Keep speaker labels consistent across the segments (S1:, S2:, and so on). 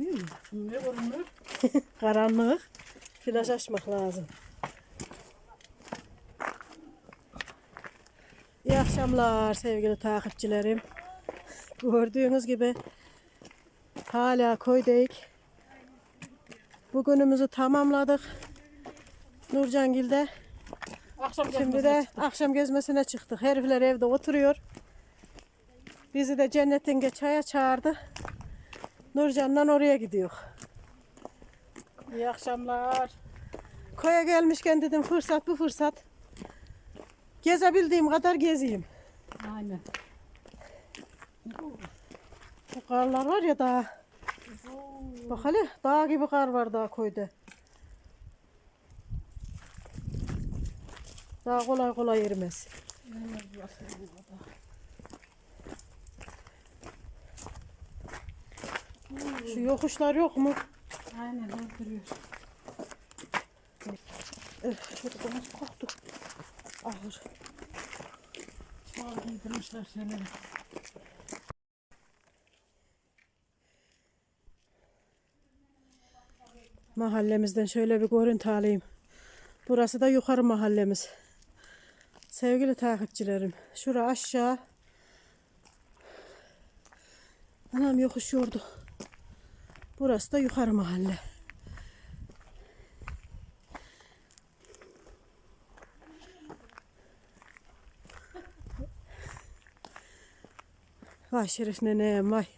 S1: görünüyor mu?
S2: Ne görünür?
S1: Karanlık. Flaş açmak lazım. İyi akşamlar sevgili takipçilerim. Gördüğünüz gibi hala koydayız. Bugünümüzü tamamladık. Nurcangil'de. Şimdi de akşam gezmesine çıktık. Herifler evde oturuyor. Bizi de Cennetin çaya çağırdı. Nurcan'la oraya gidiyor.
S2: İyi akşamlar.
S1: Koya gelmişken dedim fırsat bu fırsat. Gezebildiğim kadar gezeyim.
S2: Aynen.
S1: Bu karlar var ya daha. Bak hele dağ gibi kar var daha koyda. Daha kolay kolay erimez. Şu yokuşlar yok mu?
S2: Aynen öldürüyor.
S1: Çocuklarımız korktu. Ağır.
S2: Çuval giydirmişler şeyleri.
S1: Mahallemizden şöyle bir görüntü alayım. Burası da yukarı mahallemiz. Sevgili takipçilerim. Şura aşağı. Anam yokuş yordu. Burası da yukarı mahalle. Vay Şerif nenem vay.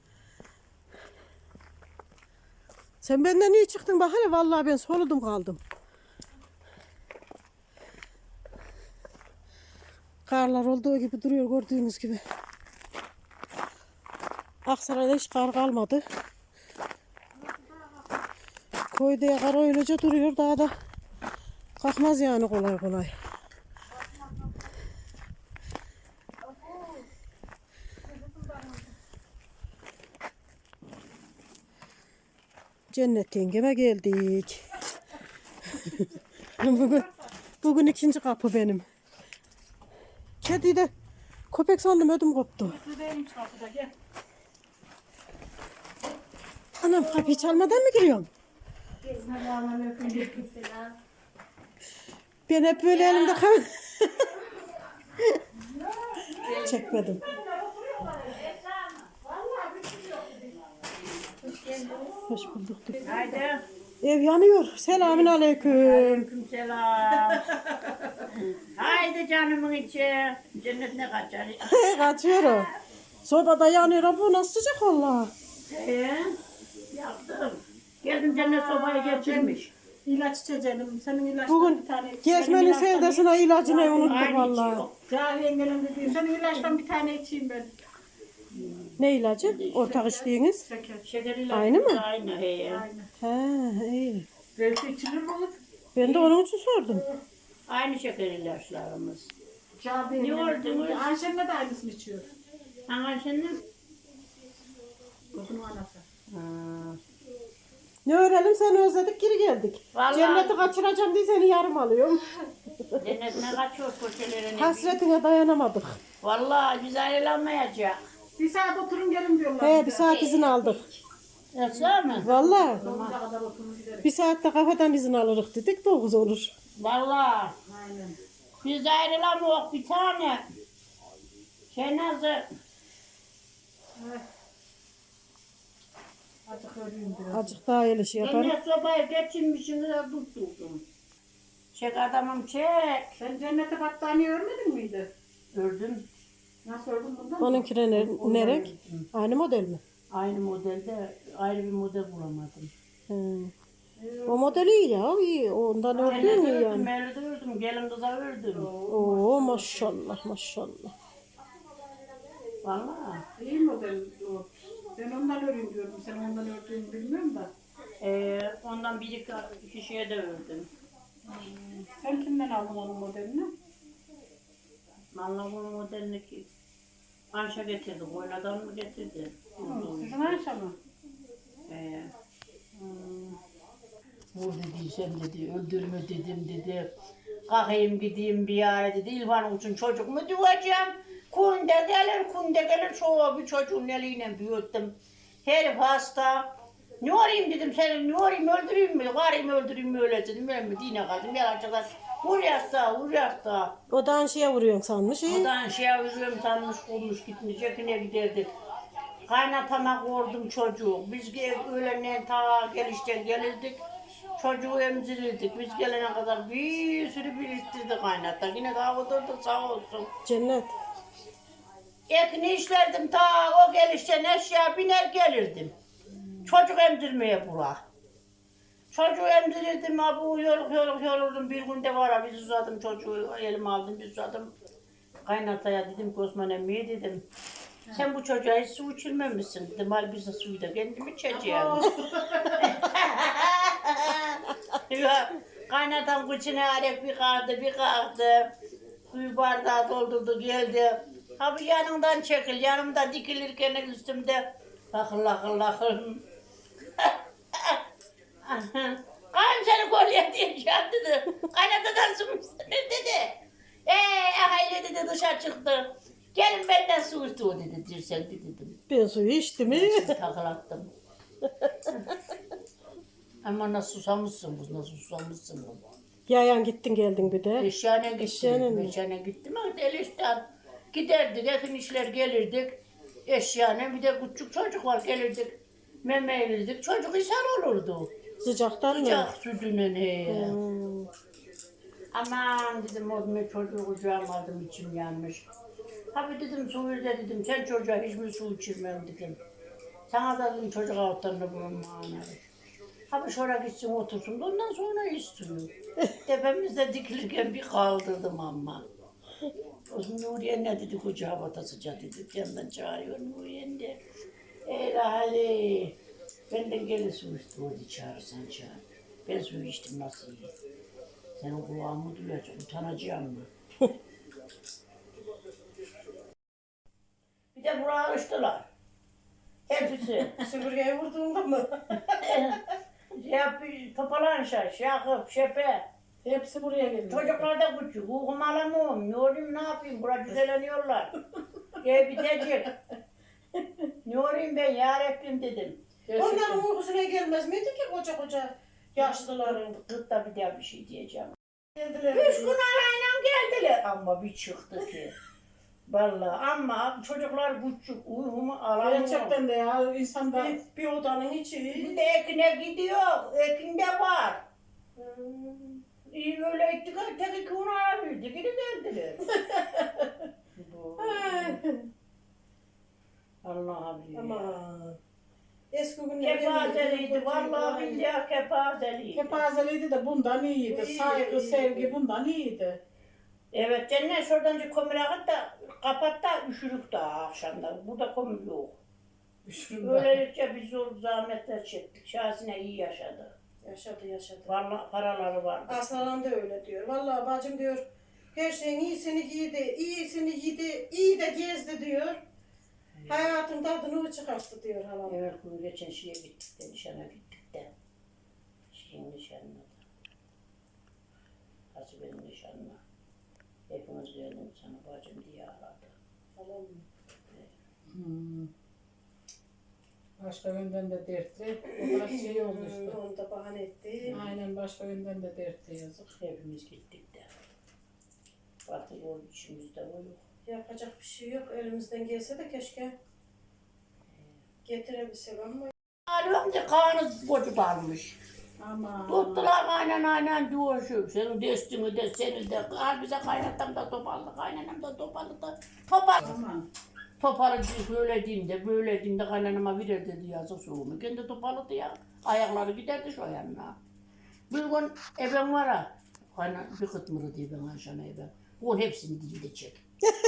S1: Sen benden niye çıktın bak hele vallahi ben soludum kaldım. Karlar olduğu gibi duruyor gördüğünüz gibi. Aksaray'da hiç kar kalmadı. Koyda kar öylece duruyor daha da kalkmaz yani kolay kolay. Cennet yengeme geldik. bugün ikinci kapı benim. Kediyi de köpek sandım ödüm koptu.
S2: Buradaymış kapıda gel.
S1: Anam kapıyı çalmadan mı giriyorsun? Ben hep böyle elimde kal. Çekmedim. Hoş bulduk.
S2: Haydi.
S1: Ev yanıyor. Selamün aleyküm.
S2: Selam. Haydi canımın içi. Cennetine kaçar.
S1: Kaçıyor o. Sobada yanıyor. Bu nasıl sıcak valla.
S2: Yaptım. Geldim cennet sobayı getirmiş.
S3: İlaç içeceğim. Senin ilaçtan
S1: Bugün
S3: bir tane.
S1: gezmenin sevdasına ilacını unuttuk
S2: Aynı
S1: valla.
S2: içi yok.
S3: Cahil engelim dediğim. Senin ilaçtan bir tane içeyim ben.
S1: Ne ilacı? Ortak içtiğiniz?
S3: Şeker.
S2: Şeker ilacı
S1: Aynı mı?
S2: Aynı. He.
S3: Aynen.
S1: He iyi.
S3: Belki içilir mi olur?
S1: Ben de onun için sordum.
S2: Aynı şeker ilaçlarımız.
S3: Cahil
S2: Ne oldu?
S3: Ayşen'le de aynısını içiyor.
S2: Hangi senin?
S3: Kızın anası.
S1: Ne öğrenelim seni özledik geri geldik.
S2: Vallahi-
S1: Cenneti kaçıracağım diye seni yarım alıyorum.
S2: Cennetine kaçıyor köşelerine.
S1: Hasretine dayanamadık.
S2: Vallahi biz ayrılamayacak.
S3: Bir saat oturun gelin diyorlar.
S1: He bir saat izin aldık.
S2: Nasıl mı?
S1: Valla
S3: Dokuza kadar oturun gidelim.
S1: bir saatte kafadan izin alırız dedik 9 olur.
S2: Vallahi
S3: Aynen.
S2: biz ayrılamıyoruz bir tane. Şey nasıl?
S3: Azıcık öleyim biraz.
S1: Azıcık daha el işi yaparım.
S2: Cennet sobayı geçirmişsiniz de tutturdum. Çek adamım çek.
S3: Sen cennete battaniye örmedin miydi?
S2: Gördüm.
S3: Nasıl ördün bundan?
S1: Onunkine nerek? Aynı model mi?
S2: Aynı modelde ayrı bir model bulamadım.
S1: O model iyi ya iyi. Ondan ördüğün
S2: Cennet
S1: iyi
S2: ördüm,
S1: yani.
S2: Mevlüt'ü ördüm, gelin kıza ördüm.
S1: Oo maşallah maşallah.
S2: Vallahi.
S3: İyi model o. Ben ondan öreyim diyorum. Sen ondan ördüğünü bilmiyorum da.
S2: Ondan bir iki kişiye de ördüm.
S3: Sen kimden aldın onun modelini?
S2: Vallahi bunun modelini ki Ayşe getirdi, Koyladan mı getirdi?
S3: Sizin Ayşe mi?
S2: Vur dedi, sen dedi, öldürme dedim dedi. Kalkayım gideyim bir yere dedi. İlvan için çocuk mu diyeceğim? Kunde gelir, şu bir çocuğun eliyle büyüttüm. Herif hasta. Ne arayayım dedim seni, ne arayayım öldüreyim mi? Arayayım öldüreyim mi öyle dedim. Ben mi dine kaldım. Yalancılar vur yasta.
S1: O da anşiye vuruyorsun sanmış.
S2: Odan üzülüm sanmış kurmuş gitmiş. Yakına giderdik. Kaynatama kordum çocuğu. Biz öğlenden ta gelişten gelirdik. Çocuğu emzirirdik. Biz gelene kadar bir sürü biriktirdi kaynata. Yine daha oturduk sağ olsun.
S1: Cennet.
S2: Ekini işlerdim ta o gelişten eşya biner gelirdim. Çocuk emzirmeye bura. Çocuğu emzirirdim abi yorulurdum. Bir günde var ya biz uzadım çocuğu elime aldım biz uzadım. Kaynataya dedim ki Osman emmiye dedim. Sen bu çocuğa hiç su içirmemişsin dedim. Hal biz de suyu da kendim içeceğim. Ya, kaynatam kıçına arek bir kalktı. Suyu bardağı doldurdu geldi. Ha bu yanından çekil, yanımda dikilirken üstümde lakır. Kayın seni kolye diyeceğim dedi. Kaynatadan su mu istenir dedi. Hayır dedi dışarı çıktı. Gelin benden su istiyor dedi dirsen dedim.
S1: Ben suyu içtim mi?
S2: Takılattım. Ama nasıl susamışsın kız, nasıl susamışsın kız.
S1: Yayan gittin geldin bir de.
S2: Eşyane
S1: Eşyane mi?
S2: gittim. Eşyane gittim ama Eliş'ten giderdik, yakın işler gelirdik. Eşyane bir de küçük çocuk var gelirdik. Meme erirdik, çocuk ishal olurdu.
S1: Sıcaktan mı?
S2: Sıcak sütünün he.
S1: Hmm.
S2: Aman dedim o çocuğu kucağıma aldım içim yanmış. Abi dedim suyu da dedim sen çocuğa hiçbir su içirmem dedim. Sana da dedim çocuk altlarında bulunma anarım. Abi şuraya gitsin otursun da ondan sonra istiyor. Tepemizde dikilirken bir kaldırdım ama. O zaman Nuriye ne dedi kucağa batasıca dedi. Yandan çağırıyor Nuriye de. Ali. Benden gelin su istiyor çağırırsan çağır. Ben suyu içtim nasıl iyi. Senin kulağımı duyacak utanacağım mı? Bir de buraya açtılar. Hepsi.
S1: Süpürgeye vurduğunda mı?
S2: Topalan Şakıp, Şepe.
S3: Hepsi buraya geldi.
S2: Çocuklar da küçük. Uykum alamıyorum. Ne olayım ne yapayım? Burada düzeleniyorlar. Bitecek. Ne olayım ben ya Rabbim dedim.
S1: Onların uykusuna gelmez miydi ki koca yaşlıların?
S2: Gıtta bir daha bir şey diyeceğim.
S1: Geldiler.
S2: 3 gün arayla geldiler. Ama bir çıktı ki. Vallahi ama çocuklar küçük. Uykumu alamıyorum.
S3: Gerçekten de ya insan da
S1: Bir odanın içi.
S2: Bir de Ekin'e gidiyor. Ekin'de var. İyi böyle ettik. Tek 2 gün arabildi. Geri geldiler. Allah'a bilir.
S1: Aman. Eski günler.
S2: Kepazeliydi. Vallahi billahi kepazeliydi.
S3: kepazeliydi de bundan iyiydi. Saygı, sevgi bundan iyiydi.
S2: Evet cennet şuradan kömür akıt da kapat da üşürük daha akşamda. Burada kömür yok. Böylelikle biz zor zahmetler çektik. Şahsine iyi yaşadı.
S1: Yaşadı.
S2: Vallahi paraları vardı.
S1: Aslan da öyle diyor. Vallahi bacım diyor. Her şeyin iyisini giydi, iyi de gezdi diyor. Hayatın tadını çıkarttı diyor halam.
S2: Evet bunu geçen şeye gittik de nişana gittik de. Şeyin nişanına da. Hasibe'nin nişanına. Hepimiz geldim sana bacım diye aradı.
S1: Halam mı?
S3: Başka yönden de dertli. O kadar şey oldu işte.
S1: Onu da bahane etti.
S3: Aynen başka yönden de dertli yazık.
S2: Hepimiz gittik de. Artık o içimizde o yok.
S1: Yapacak bir şey yok. Elimizden gelse de keşke getirebilsek ama.
S2: Alıyorum da kanı kocu darmış.
S3: Ama
S2: Tuttular aynen diyor şu. Senin destini de seni de. Al bize kaynatam da toparlı. Kaynanam da toparlı da.
S3: aman.
S2: Toparlı böyle diyeyim de kaynanama verir dedi yazık soğumu. Kendi toparladı ya. Ayakları giderdi şu yanına. Bir gün ebem var ha. Kaynan bir kıtmırı diye ben aşağına ebem. Onun hepsini dilde çek.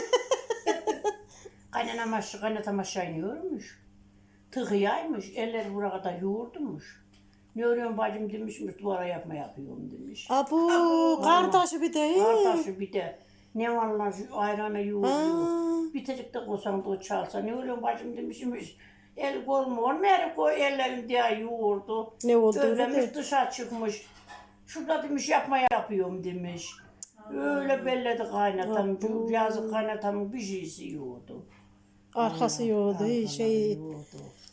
S2: Kaynatam aşağı iniyormuş. Tıkıyaymış. Eller buraya kadar yoğurdumuş. Ne örüyorsun bacım demişmiş, duvara yapıyorum demiş.
S1: Abu, kardeşi bir de.
S2: Kardeşi bir de ne vallahi şu ayranı yoğuruyor. Bitecek de koysan da o çalsa. Ne örüyorsun bacım demişmiş. El kolmu olmayarak koy ellerim diye yoğurdu.
S1: Ne oldu
S2: Özlemiş
S1: öyle?
S2: dışarı çıkmış. Şurada demiş yapıyorum demiş. Öyle belledi kaynatam. Yazık kaynatamın bir şeysi yoğurdu.
S1: Arkası yoğdu,
S2: Arkaları
S1: şey.
S2: yoğurdu.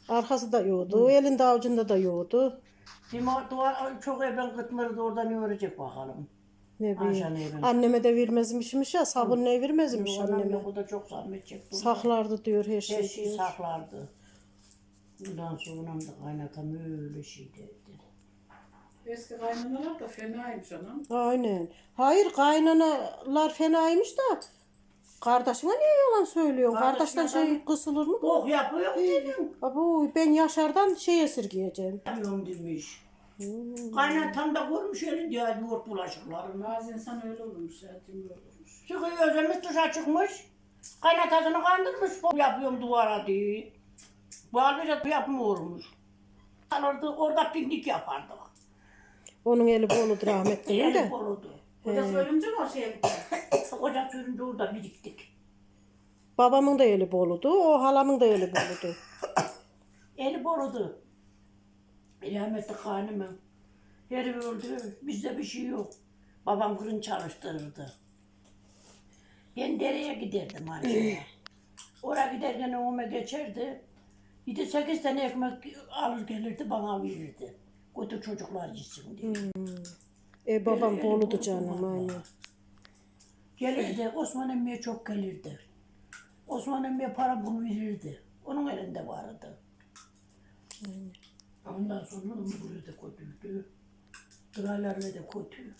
S1: Arkası da yoğdu. Elinde avucunda da yoğdu.
S2: Duvar çok eben kıtmırdı oradan yoğuracak bakalım.
S1: Ne
S2: Ayşe
S1: bileyim.
S2: neyim?
S1: Anneme de vermezmişmiş ya. Sabun ne vermezmiş
S2: Annem
S1: anneme.
S2: yok o da çok zahmet çekti.
S1: Saklardı diyor her
S2: Her
S1: şeyi
S2: şeyi
S1: diyor.
S2: saklardı. Bundan sonra da kaynatam öyle şey dedi.
S3: Eski kaynanalar da fenaymış anam.
S1: Aynen. Hayır kaynanalar fenaymış da. Kardeşine niye yalan söylüyorsun?
S2: Kardeşine
S1: Kardeşten şey kısılır mı?
S2: Bok yapıyor dedim.
S1: Abo ben Yaşar'dan şey esirgeyeceğim.
S2: Yapıyorum demiş. Kaynatam da görmüş elinde yoğurt bulaşıklarını.
S3: Bazı insan öyle olurmuş ya, cimri olurmuş.
S2: Çıkıyor özümüz dışa çıkmış. Kaynatasını kandırmış. Bok yapıyorum duvara diye. Bu halde yapmıyormuş. Orada piknik yapardık.
S1: Onun eli boludur rahmetli
S2: Eli
S1: de.
S2: korudu.
S3: Kocası ölünce mi o şeye gitti?
S2: Ocak sürünce orada biriktik.
S1: Babamın da eli boludu. O halamın da eli boludu.
S2: Eli korudu. Rahmetli kaynımın. Heri öldü. Bizde bir şey yok. Babam fırın çalıştırırdı. Ben dereye giderdim Ayşe'ye. Oraya giderken önüme geçerdi. 7-8 tane ekmek alır gelirdi bana verirdi. Götür çocuklar yesin diye.
S1: Babam
S2: Eli
S1: boludu
S2: boludu
S1: canım
S2: vallahi.
S1: aynen.
S2: Gelirdi. Osman emmiye çok gelirdi. Osman emmiye para bul verirdi. Onun elinde vardı. Ondan sonra onu buraya da kötüydü. Kralarla da kötü.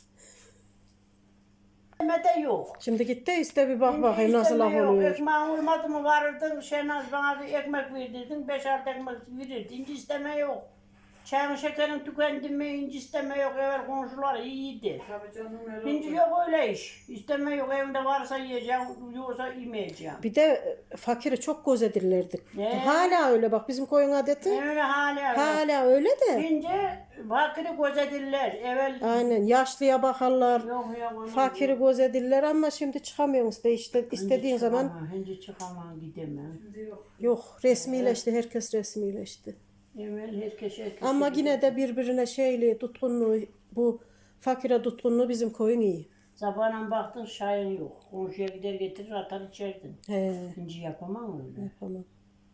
S2: De yok.
S1: Şimdi git de iste bir bak
S2: Şimdi
S1: bakayım nasıl laf
S2: isteme yok.
S1: oluyor.
S2: Ekmeğin olmadı mı varırdın, Şenaz bana bir ekmek verirdin, 5-6 ekmek verirdin. İnci isteme yok. Çayın şekerin tükendi mi inci isteme yok. Evvel komşular iyiydi.
S3: Tabii canım öyle
S2: İnci
S3: oldu.
S2: yok öyle iş. İsteme yok. Evinde varsa yiyeceğim, yoksa yemeyeceğim.
S1: Bir de fakiri çok gözedirlerdi.
S2: Ne?
S1: Hala öyle bak bizim koyun adeti.
S2: Öyle hala.
S1: Hala öyle de.
S2: İnce fakiri gözedirler. Evvel
S1: Aynen yaşlıya bakarlar.
S2: yok yok. onu
S1: Fakiri gözedirler ama şimdi çıkamıyorsun işte istediğin zaman
S2: Hindi çıkamam gidemem.
S3: Şimdi yok.
S1: yok resmileşti herkes resmileşti.
S2: Evvel herkes
S1: Ama yine de birbirine şeyli tutkunluğu bu fakire tutkunluğu bizim koyun iyi.
S2: Sabahına baktın şahin yok. Komşuya gider getirir atar içerdin.
S1: He
S2: İnci yapamam öyle.
S1: yapamam.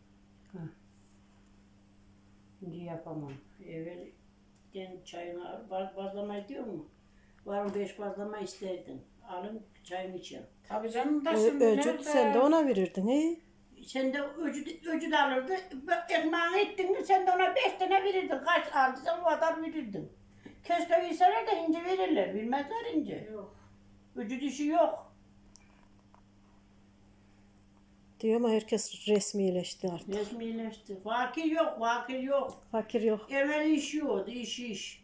S2: İnci yapamam. Evvel ben çayını al, bazlama diyor mu? Varım 5 bazlama isterdin. Alın çayını için.
S3: Tabii canım da şimdi
S1: Öcüt
S3: nerede?
S1: sen de ona verirdin he?
S2: Sen de öcü de alırdı. Ekmeğini ettin mi sen de ona 5 tane verirdin. Kaç aldıysan o kadar verirdin. Keşke verseler de ince verirler. Bilmezler ince.
S3: Yok.
S2: Öcü dişi yok.
S1: Diyor ama herkes resmileşti artık.
S2: Resmileşti. Vakil yok, vakil yok.
S1: Fakir yok.
S2: Evvel iş yoktu, iş.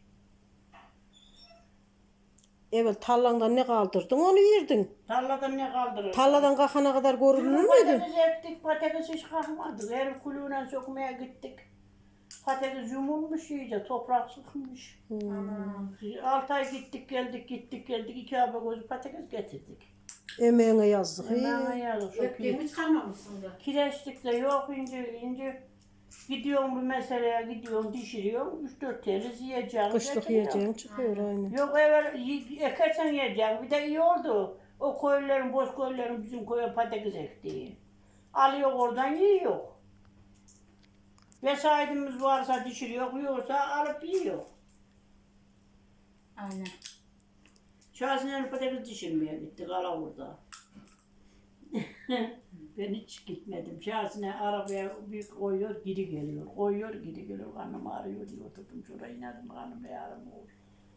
S1: Evvel tarlandan ne kaldırdın onu yerdin.
S2: Tarladan ne kaldırır?
S1: Tarladan kalkana kadar görünür müydü?
S2: Patates ektik, patates hiç kalkmadı. Her kulüğüne sokmaya gittik. Patates yumulmuş iyice, toprak sıkmış.
S3: Aman.
S2: 6 ay gittik geldik. 2 hafta gözü patates getirdik.
S1: Emeğine yazdık.
S2: Hemen ayarlı çok iyi.
S3: Ektiğimi çıkarmamışsın da.
S2: Kireçlik de yok ince. Gidiyorum bu meseleye gidiyorum dişiriyorum. 3-4 TL yiyeceğim.
S1: Kışlık
S2: getiriyorum.
S1: yiyeceğin çıkıyor aynen.
S2: Yok evvel ekersen yiyeceğim. Bir de iyi oldu. O köylülerin, boş köylülerin bizim köye patates ektiği. Alıyor oradan yiyor. Vesayetimiz varsa dişiriyor, yoksa alıp yiyor.
S3: Aynen.
S2: Şahsinen patates dişirmeye gittik Alavur'da. Ben hiç gitmedim. Şahsine arabaya bir koyuyor, geri geliyor. Koyuyor, geri geliyor. Karnım ağrıyor diye oturdum. Şuraya inerim, karnım ağrım olur.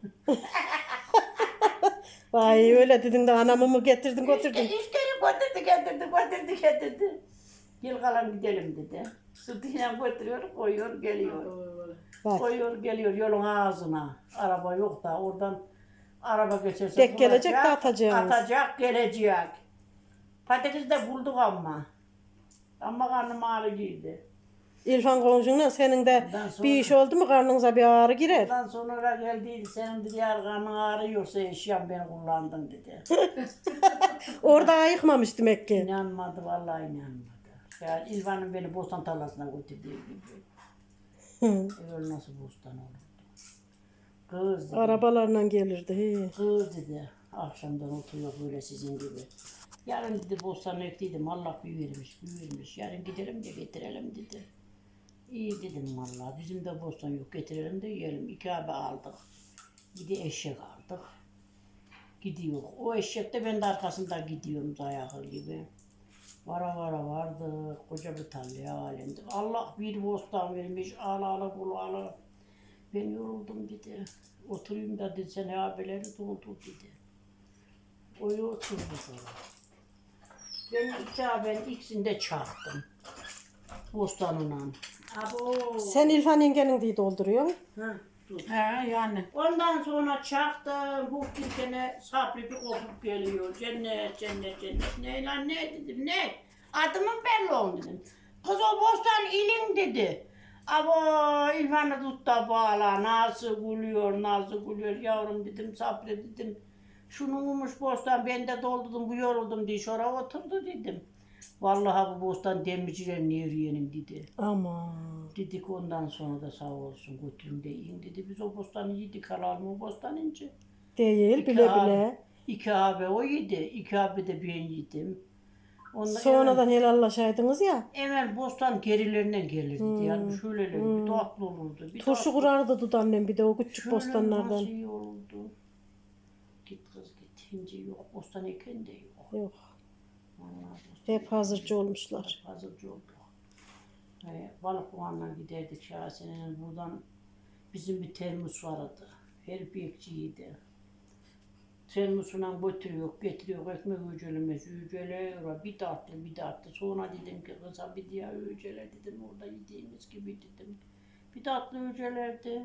S1: Vay öyle dedin de anamı mı getirdin götürdün.
S2: İşte getirdi. Gel kalan gidelim dedi. Sırtıyla götürüyor, koyuyor, geliyor.
S1: Vay.
S2: Koyuyor, geliyor yolun ağzına. Araba yok da oradan araba geçerse
S1: Tek gelecek de
S2: bulacak,
S1: atacağız.
S2: atacak, gelecek. Patates de bulduk ama. Ama karnım ağrı girdi.
S1: İrfan komşunla senin de
S2: Ondan sonra-
S1: bir iş oldu mu karnınıza bir ağrı girer.
S2: Ondan sonra geldiydi, senin dedi yar karnın ağrıyorsa eşyam beni kullandın dedi.
S1: Orada ayıkmamış demek ki.
S2: İnanmadı, vallahi inanmadı. Ya İlvan'ın beni bostan tarlasına götürdüğü gibi. Öyle nasıl bostan olurdu? Kız dedi.
S1: Arabalarla gelirdi. He.
S2: Kız dedi, akşamdan oturuyor böyle sizin gibi. Yarın dedi bostanı ektiydim, Allah büyürmüş. Yarın gidelim de getirelim dedi. İyi dedim vallahi. Bizim de bostan yok. Getirelim de yiyelim. 2 abi aldık. Bir de eşek aldık. Gidiyor. O eşek de ben de arkasında gidiyorum dayağı gibi. Vara vara vardı. Koca bir tarlaya alemdi. Allah bir bostan vermiş. Ağla bulu. Ben yoruldum dedi. Oturayım da dedi sen abileri doldur dedi. Oyu oturdu sonra. Ben 2 abinin ikisini de çaktım. Bostanına. Abo.
S1: Sen İlhan yengenin diye dolduruyorsun.
S2: Hı, dur.
S3: He yani.
S2: Ondan sonra çaktım. Bu bir sene saplı bir kopup geliyor. Cennet, cennet, cennet. Ne lan ne dedim ne? Adımın belli oldu dedim. Kız o bostan ilin dedi. Abo İlhan'ı tut da bağla. Nasıl gülüyor yavrum dedim saplı dedim. Şunu ummuş bostan ben de doldurdum bu yoruldum diye şuraya oturdu dedim. Vallahi bu bostan demircilerin yürüyenim dedi.
S1: Aman.
S2: Dedik ondan sonra da sağ olsun götürün de yiyin dedi. Biz o bostanı yedik alalım o bostan ince.
S1: Değil
S2: İki
S1: bile
S2: abi-
S1: bile.
S2: 2 abi o yedi. 2 abi de ben yedim. Ondan
S1: Sonradan helallaşaydınız ya.
S2: Emel bostan gerilerinden gelirdi. Yani şöyle bir tatlı olurdu. Bir
S1: Turşu
S2: tatlı-
S1: kurardı dudamnem bir de o küçük
S2: Şöyle
S1: bostanlardan.
S2: nasıl iyi olurdu. Git kız git. Hinci yok. Bostan eken de yok.
S1: Yok.
S2: Vallahi bostan
S1: Hep hazırcı olmuşlar.
S2: hazırcı oldu. Balık buğanla giderdik Şahasene'nin buradan. Bizim bir termos vardı. Her bekçiydi. Termosuna götürüyor, getiriyor, ekmek ücelemez, üceliyor. Bir tatlı, bir tatlı. Sonra dedim ki kıza bir diğer ücele dedim, orada yediğimiz gibi dedim. Bir tatlı ücelerdi.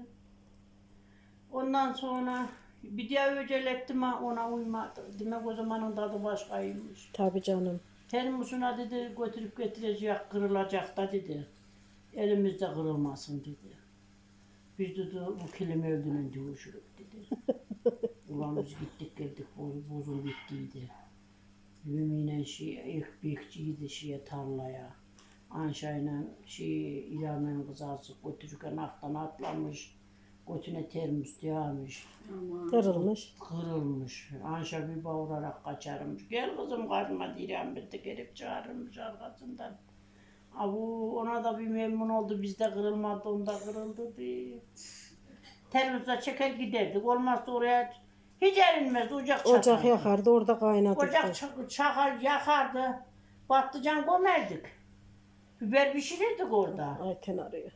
S2: Ondan sonra bir diğer ücelettim ama ona uymadı. Demek o zamanın tadı başkaymış.
S1: Tabii canım.
S2: Termosuna dedi götürüp getirecek, kırılacak da dedi. Elimizde kırılmasın dedi. Biz dedi bu kilim öldüğünün dövüşürük dedi. Ulan biz gittik geldik bozul bittiydi. Yümine ilk bekçiydi tarlaya. Anşayla İlhan'ın kızası götürürken aktan atlamış. Götüne termos dayamış.
S1: Kırılmış.
S2: Kırılmış. Anşa bir bağırarak kaçarmış. Gel kızım kaçma diyen bir de gelip çağırmış arkasından. Abu ona da bir memnun oldu. Bizde kırılmadı, onda kırıldı diye. Termosa çeker giderdik. Olmazsa oraya hiç erinmez. Ocak çakardı.
S1: Ocak yakardı orada kaynatırdı.
S2: Ocak çakar yakardı. Patlıcan gömerdik. Biber pişirirdik orada.
S1: Ayten arıyor.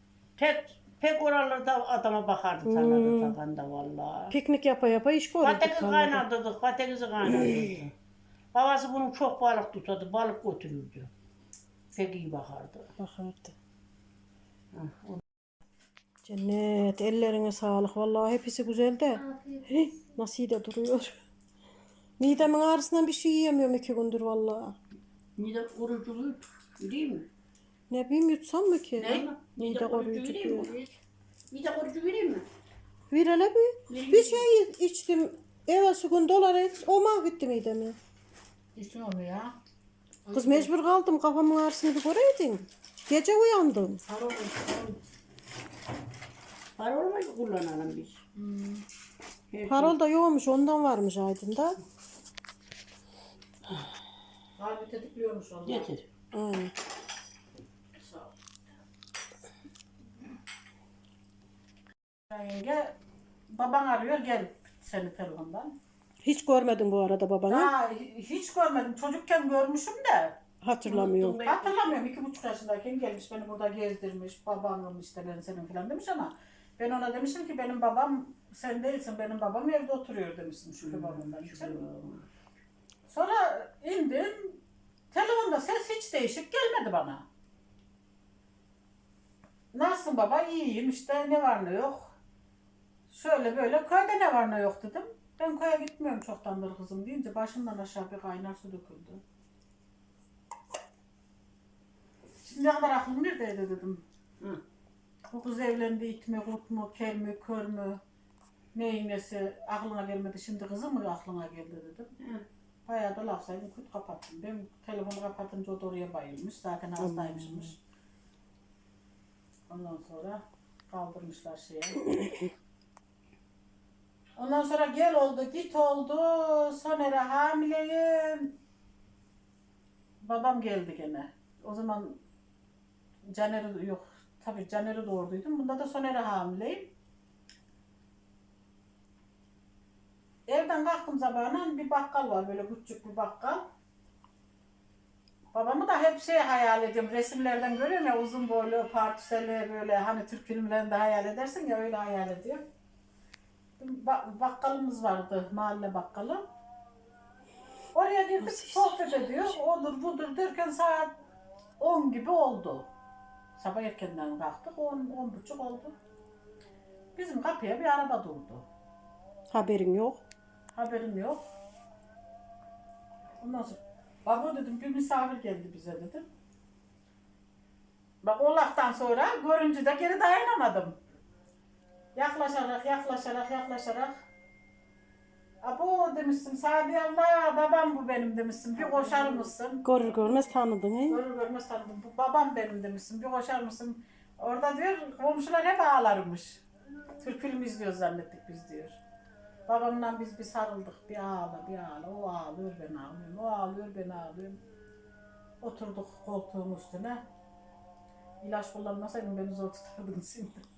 S2: Pek oralarda adama bakardı tarlada takanda vallahi.
S1: Piknik yapa yapa iş görürdük.
S2: Patates
S1: tarlada.
S2: kaynatırdık, patatesi kaynatırdık. Babası bunun çok balık tutardı, balık götürürdü. Pek iyi bakardı.
S1: Bakardı.
S2: Hah, o-
S1: Cennet ellerine sağlık. Vallahi hepsi güzel de. Hih, nasıl iyi de duruyor. Midemin ağrısından bir şey yiyemiyorum 2 gündür vallahi.
S2: Mide kuruculuğu değil mi?
S1: Ne bileyim yutsam mı ki?
S2: Ne?
S1: Mide koruyucu
S2: vereyim mi?
S1: diyor.
S2: Mide kurucu vereyim mi?
S1: Bir hele bir.
S2: Vereyim
S1: Bir
S2: mi?
S1: şey içtim. Evvelsi gün dolar et. O mahvetti midemi.
S3: İçin onu ya.
S1: Kız mecbur kaldım. Kafamın ağrısını bir göreydin. Gece uyandım.
S3: Harol olsun.
S2: Para olmayı kullanalım biz. Her şey-
S1: Parol da yoğmuş. Ondan varmış Aydın'da.
S3: Harbi tetikliyormuş onu.
S2: Getir.
S1: Aynen.
S3: Sağ ol. Yenge baban arıyor gel seni telefondan.
S1: Hiç görmedim bu arada babanı.
S3: Ha, hiç görmedim. Çocukken görmüşüm de.
S1: Hatırlamıyorum.
S2: Unuttum
S3: Hatırlamıyorum. 2,5 yaşındayken gelmiş beni burada gezdirmiş. Babamım işte ben senin falan demiş ama ben ona demişim ki benim babam sen değilsin. Benim babam evde oturuyor demiştim Şükrü babamdan. Sonra indim. Telefonda ses hiç değişik gelmedi bana. Nasılsın baba? İyiyim işte ne var ne yok. Şöyle böyle köyde ne var ne yok dedim. Ben köye gitmiyorum çoktandır kızım deyince başımdan aşağı bir kaynar su döküldü. Şimdi ne kadar aklım neredeydi dedim.
S2: Hı.
S3: Bu kız evlendi it mi, kurt mu, kel mi, kör mü, neyin nesi aklına gelmedi. Şimdi kızım mı aklına geldi dedim.
S2: Hı.
S3: Bayağı da laf saydım, kurt kapattım. Ben telefonu kapatınca o da oraya bayılmış. Zaten hastaymışmış. Ondan sonra kaldırmışlar şeye. Ondan sonra gel oldu, git oldu. Sonra hamileyim. Babam geldi gene. O zaman Caner yok. tabii Caner'i doğurduydum. Bunda da Soner'e hamileyim. Evden kalktım sabahına bir bakkal var böyle küçük bir bakkal. Babamı da hep hayal ediyorum. Resimlerden görüyorum ya uzun boylu, partiseli böyle hani Türk filmlerinde hayal edersin ya öyle hayal ediyorum. Bakkalımız vardı, mahalle bakkalı. Oraya girdik sohbet ediyor. Odur budur derken saat 10 gibi oldu. Sabah erkenden kalktık 10 buçuk oldu. Bizim kapıya bir araba durdu.
S1: Haberin yok.
S3: Haberim yok. Ondan sonra baba dedim bir misafir geldi bize dedim. Bak o laftan sonra görünce de geri dayanamadım. Yaklaşarak. Abo demişsin Sadi Allah babam bu benim demişsin bir koşar mısın?
S1: Görür görmez tanıdın he.
S3: Görür görmez tanıdım bu babam benim demişsin bir koşar mısın? Orada diyor komşular hep ağlarmış. Türk filmi izliyoruz zannettik biz diyor. Babamla biz bir sarıldık bir ağla. O ağlıyor ben ağlıyorum. O ağlıyor ben ağlıyorum. Oturduk koltuğun üstüne. İlaç kullanmasaydım beni zor tutardın şimdi.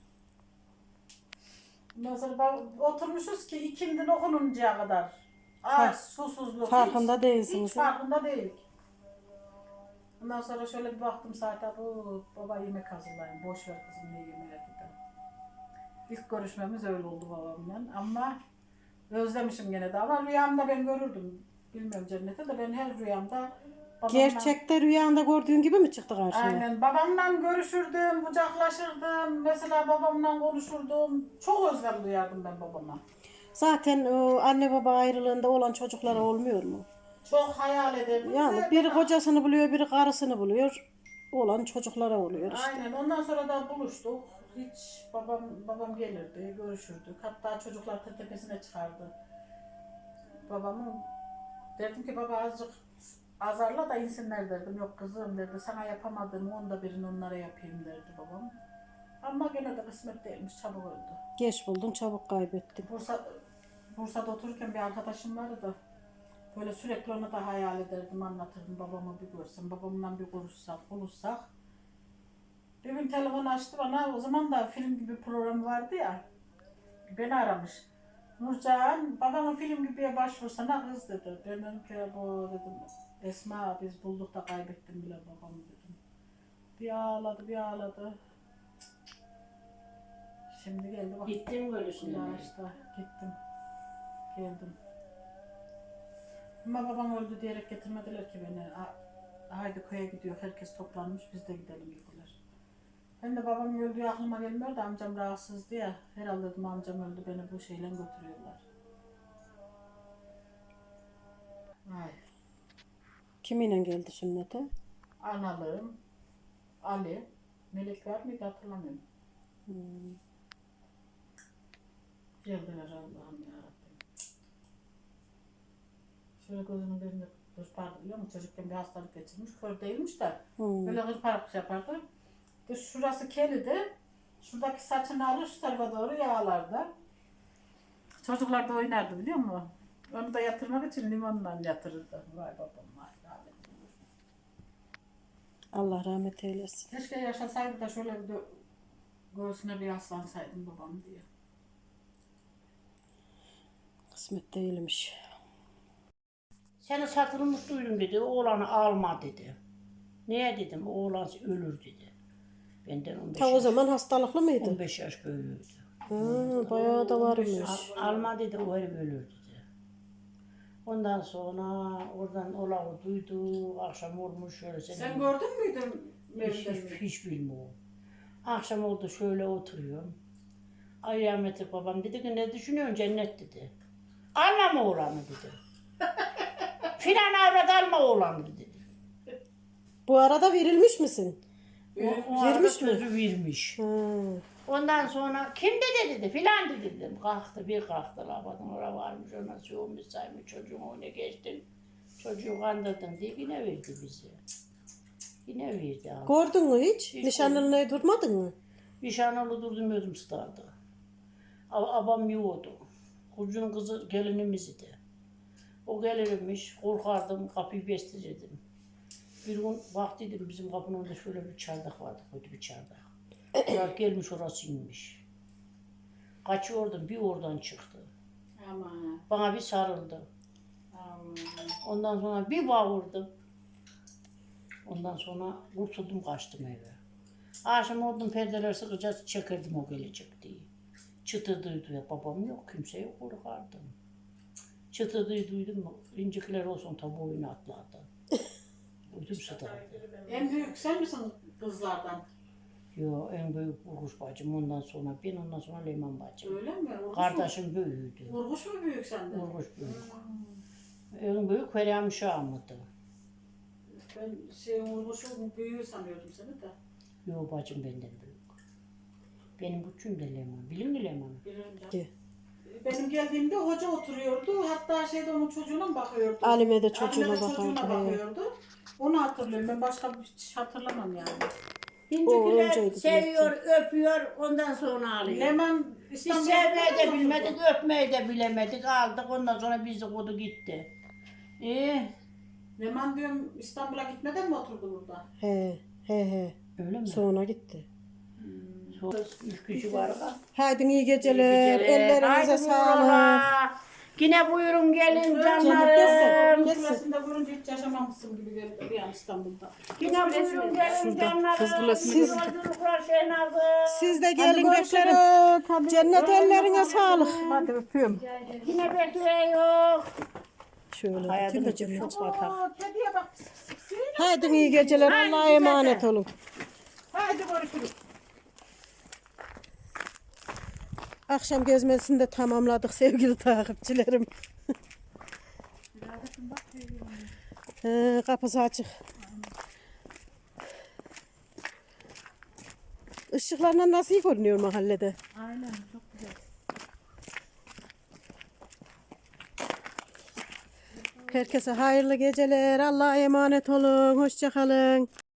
S3: Ondan sonra oturmuşuz ki ikindin okununcaya kadar. Aç, susuzluk.
S1: Farkında değilsiniz.
S3: Hiç farkında değilik. Ondan sonra şöyle bir baktım saate bu baba yemek hazırlayın. Boş ver kızım ne yemeğe gidelim. İlk görüşmemiz öyle oldu babamla ama özlemişim gene de ama rüyamda ben görürdüm. Bilmiyorum cennete de ben her rüyamda babamla...
S1: Gerçekte rüyanda gördüğün gibi mi çıktı karşına?
S3: Aynen babamla görüşürdüm, kucaklaşırdım. Mesela babamla konuşurdum. Çok özlem duyardım ben babama.
S1: Zaten o anne baba ayrılığında olan çocuklara olmuyor mu?
S3: Çok hayal ederdim.
S1: Yani biri kocasını buluyor, biri karısını buluyor. Olan çocuklara oluyor işte.
S3: Aynen ondan sonra da buluştuk. Hiç babam gelirdi, görüşürdük. Hatta çocuklar tepesine çıkardı. Babamın dedim ki baba azıcık azarla da insinler derdim. Yok kızım derdi sana yapamadığım onda birini onlara yapayım derdi babam. Ama gene de kısmet değilmiş çabuk öldü.
S1: Geç buldun, çabuk kaybettin.
S3: Bursa'da otururken bir arkadaşım vardı da böyle sürekli onu da hayal ederdim, anlatırdım babamı bir görsem, babamla bir konuşsak. Bir gün telefon açtı bana, o zaman da film gibi program vardı ya, beni aramış. Nurcan, babama film gibiye başvursana kız dedi. Ben dedim ki bu dedim, Esma biz bulduk da kaybettim bile babamı dedim. Bir ağladı. Şimdi geldi bak.
S2: Gittim görüşüne.
S3: Ya işte gittim. Geldim. Ama babam öldü diyerek getirmediler ki beni. Haydi köye gidiyor, herkes toplanmış, biz de gidelim dediler. Ben de babam öldüğü aklıma gelmiyor da amcam rahatsızdı ya. Herhalde dedim amcam öldü, beni bu şeyle götürüyorlar. Ay.
S1: Kiminle geldi sünnete?
S3: Analığım, Ali, Melek var mıydı hatırlamıyorum. Geldiler Allah'ım yarabbim. Şöyle gözümün önünde hırpardı biliyor musun? Çocukken bir hastalık geçirmiş. Kör değilmiş de böyle hırparık yapardı. Şurası kelidi. Şuradaki saçını alır şu tarafa doğru yağlardı. Çocuklar da oynardı biliyor musun? Onu da yatırmak için limonla yatırırdı. Vay babam vay rahmetli.
S1: Allah rahmet eylesin.
S3: Keşke yaşasaydı da şöyle bir göğsüne bir yaslansaydım babam diye.
S1: Kısmet değilmiş.
S2: Seni satılmış duydum dedi, oğlanı alma dedi. Niye dedim, oğlan ölür dedi. Benden 15
S1: Ta o
S2: yaş,
S1: zaman hastalıklı mıydı?
S2: 15 yaş büyüğüydü.
S1: Bayağı da varmış.
S2: Alma dedi, o herif ölür dedi. Ondan sonra oradan olanı duydu, akşam olmuş şöyle.
S3: Sen gördün müydün?
S2: Hiç bilmiyorum. Akşam oldu şöyle oturuyorum. Ay rahmetli babam dedi ki ne düşünüyorsun cennet dedi. Alma mı oğlanı dedi. Filan avrat alma oğlanı dedi.
S1: Bu arada verilmiş misin?
S2: O arada
S1: Vermiş mi?
S2: sözü vermiş. Ondan sonra kim dedi filan dedim. Kalktı bir kalktı labadan oraya varmış ona soğumuş saymış çocuğun önüne geçtin. Çocuğu kandırdın diye yine verdi bize. Yine verdi abi.
S1: Gördün mü hiç?
S2: Hiç
S1: Nişanlılığına durmadın mı?
S2: Nişanlı durdum ödüm tutardı. Abam yoğurdu. Kucunun kızı gelinimiz idi. O gelirmiş, korkardım, kapıyı bestirirdim. Bir gün baktıydım bizim kapının önünde şöyle bir çardak vardı, kötü bir çardak. Murat gelmiş orası inmiş. Kaçıyordum bir oradan çıktı.
S3: Aman.
S2: Bana bir sarıldı.
S3: Aman.
S2: Ondan sonra bir bağırdım. Ondan sonra kurtuldum kaçtım eve. Akşam oldum perdeler sıkıca çekirdim o gelecek diye. Çıtırdığı ya babam yok kimse yok korkardım. Çıtırdığı duydum mu incikler olsun tabi oyunu atladı. Uydum sıdardı.
S3: En büyük sen misin kızlardan?
S2: Yo en büyük Urguş bacım ondan sonra ben ondan sonra Leyman bacım.
S3: Öyle mi? Urguş
S2: Kardeşim büyüğüydü.
S3: mu? Urguş mu büyük senden?
S2: Urguş büyük. En büyük Feryam Şah'mıdı.
S3: Ben Urguş'un büyüğü sanıyordum seni de.
S2: Yo bacım benden büyük. Benim küçüğüm de Leyman. Bilin mi Leyman'ı?
S3: Bilirim canım.
S4: Ki.
S3: Benim geldiğimde hoca oturuyordu. Hatta onun çocuğuna mı bakıyordu?
S4: Alime de çocuğuna
S3: Alime de çocuğuna
S4: bakardı, he.
S3: bakıyordu. Onu hatırlıyorum. Ben başka hiç hatırlamam yani.
S2: İncikiler
S4: önceydi
S2: seviyor, öpüyor, ondan sonra alıyor.
S3: Leman
S2: Biz
S3: İstanbul'da
S2: sevmeyi de
S3: mı
S2: bilmedik,
S3: oturdu?
S2: öpmeyi de bilemedik. Aldık, ondan sonra bizi kodu gitti.
S3: Leman diyorum İstanbul'a gitmeden mi oturdu burada?
S4: He.
S2: Öyle mi?
S4: Sonra gitti.
S2: Sonra üç kişi var da.
S4: Haydi iyi geceler. Ellerinize
S2: Haydi
S4: sağlık.
S2: buyurun. Yine buyurun gelin
S4: Cennet
S2: canlarım.
S4: gelsin.
S3: Kızılasında görünce hiç yaşamamışsın gibi geldi bir an İstanbul'da.
S2: Yine buyurun gelin canlarım.
S4: Siz-
S2: Yolculuklar Şehnaz'ım.
S4: Siz de gelin beklerin. Cennet ellerine sağlık.
S3: Hadi öpüyorum.
S2: Yine bekliyor.
S4: Şöyle
S2: Hayatım
S4: bitir de
S2: için
S4: cennet.
S2: çok batak.
S3: Kediye bak.
S4: Haydi iyi geceler. Allah'a emanet olun.
S3: Hadi görüşürüz.
S4: Akşam gezmesini de tamamladık sevgili takipçilerim. Kapısı açık. Işıklarla nasıl iyi görünüyor mahallede?
S3: Aynen çok güzel.
S4: Herkese hayırlı geceler. Allah'a emanet olun. Hoşça kalın.